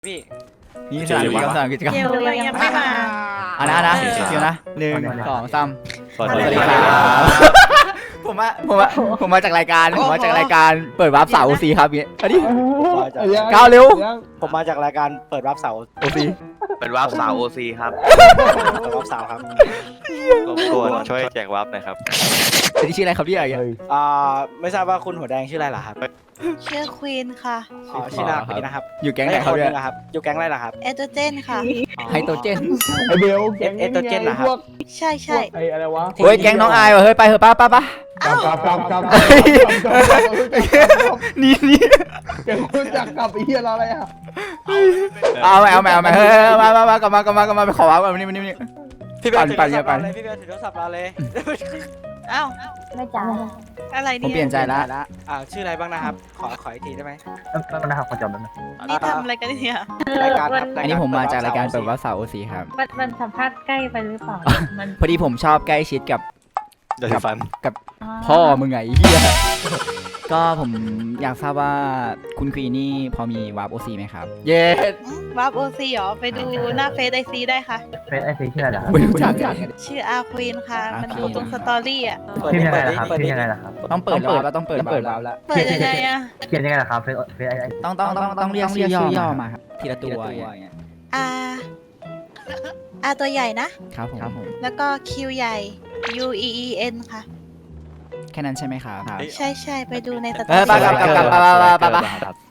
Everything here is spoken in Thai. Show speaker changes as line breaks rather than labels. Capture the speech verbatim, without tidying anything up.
พี่
นี่สถานกิจกรรมสถานกิจกรรม
เดี๋ยวเรายังไม่มา
อ่ะนะนะคิวนะหนึ่งสองสาม
สวัส
สวัส
ดี
ดี
ค
ค
รั
รับ บผมมาผมมาผมมาจากรายการผมมาจากรายการเปิดวาร์ปสาวโอซีครับเนี่ยอันนี้ ก้าวเร็ว
ผมมาจากรายการเปิดรับเสาร์
โอซี
เป็นวาร์ปสาวโอซีครับ
เปิดรับเสาร์ครับ
รบกวนช่วยแจกวาร์ปหน่อยครับ
อันนี้ชื่ออะไรครับพี่อะไร
อ่าไม่ทราบว่าคุณหัวแดงชื่ออะไรเหรอครับ
ชื่อควีนค่ะ
อ๋อชื่อนาคนนี้นะครับ
อยู่แก๊งไหนครับ
แล้
เนี่
วย อีกคนนึงอะครับอยู่แก๊งอะไรล่ะครับ
เอโตรเจนค่ะ
ไฮโตรเจน
ไอเบล
เอเอสโตรเจนเหรอครับ
พวก
ใช่ใช่
ไออะไรวะ
เฮ้ยแก๊งน้องอายว่ะเฮ้ยไปเถอะป้าป้าป้า
กับกับกับกับ
นี่นี่
แกรู้จักกับไอ้เหี้ยเราอะไรอ่ะ
เอาใหม่เอาใหม่เอาใหม่เฮ้ยมามามากลับมากลับมากลับมาไปขอวาร์ปก่อนนี่นี่นี่
พี่เบล
ปั่น
ถือ
ปั่น
โทรศัพท์
ปั่น
เราเลยพี่เบลถือโทรศัพท์เราเลย
อ้าว
ไม่จ่าย
อะไร
ผม
เนี่ย
เปลี่ยนใจละ
อ่าชื่ออะไรบ้างนะครับ ขอขออีกทีได้ไหม
นะครับขอจำได้ไหม
นี่ทำอะไรกันเนี่ย
รายการครับ
อันนี้ผมมาจากรายการเปิดวาร์ปสาวโอซีครับ
มันมันสัมภาษณ์ใกล้ไปหรือเปล่า มัน
พอดีผมชอบใกล้ชิดกับ
เดี๋ยวฟัน
พ่อมึงไงไอ้เฮียก็ผมอยากทราบว่าคุณควีนี่พอมีวาร์ปโอซีไหมครับ เย้
วาร์ปโอซีเหรอ ไปดูหน้าเฟซไอซีได้ค่ะ
เฟซไอซีชื่ออะไรล่ะ
ไม่รู้จักกัน
ชื่ออาควีนค่ะ มันอยู่ตรงสตอรี่อ่ะ
เปิด
ชื่อ
ดิ
ยังไง
เปิด
ล่ะ
ดิ
ครับ
เปิด
ชื่
ดิ
อยังไงล่ะครับ
ต้องเปิดเปิดแล้วต้องเปิดเปิดแล้ว
เปิดยังไงอ่ะ
เขียนยังไงล่ะครับเฟซเฟซไอ
ต้องต้องต้องต้องเรียกชื่อย่อมาครับทีละตัวอย่างเงี้ย
อาอาตัวใหญ่นะ
ครับผมครับผม
แล้วก็คิวใหญ่ U E E N ค่ะ
แค่นั้นใช่ไหมครับ
ใช่ใช่ไปดูในสตอ
เออ
รี่
ไปกลับกลับกลับไปไปไปไป